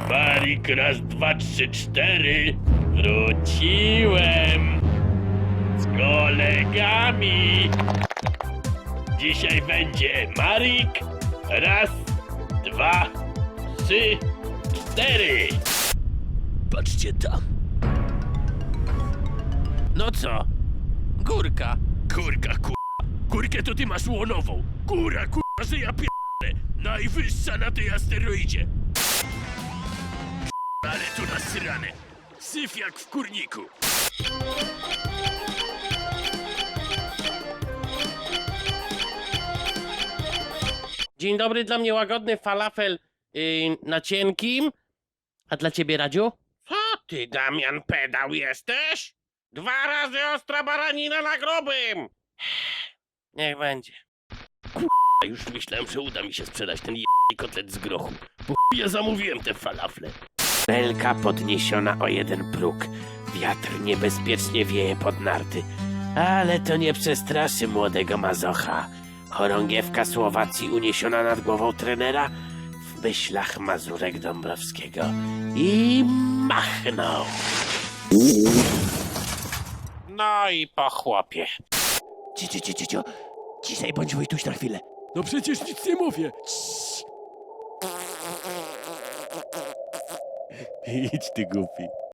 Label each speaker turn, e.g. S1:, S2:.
S1: Marik, raz, dwa, trzy, cztery. Wróciłem. Z kolegami. Dzisiaj będzie Marik. Raz, dwa, trzy, cztery. Patrzcie tam. No co? Górka. Górka, Górkę to ty masz łonową. Góra, że ja pierdolę. Najwyższa na tej asteroidzie. Ale tu nasrane. Syf jak w kurniku.
S2: Dzień dobry, dla mnie łagodny falafel na cienkim. A dla ciebie, Radziu? Co ty, Damian, pedał jesteś? 2 razy ostra baranina na grubym. Niech będzie.
S1: Już myślałem, że uda mi się sprzedać ten kotlet z grochu. Bo ja zamówiłem te falafle.
S2: Belka podniesiona o 1 próg. Wiatr niebezpiecznie wieje pod narty. Ale to nie przestraszy młodego mazocha. Chorągiewka Słowacji uniesiona nad głową trenera w myślach Mazurek Dąbrowskiego. I machnął. No i po chłopie.
S3: Ciszej bądź Wojtuś na chwilę.
S1: No przecież nic nie mówię.
S3: Idź ty głupi.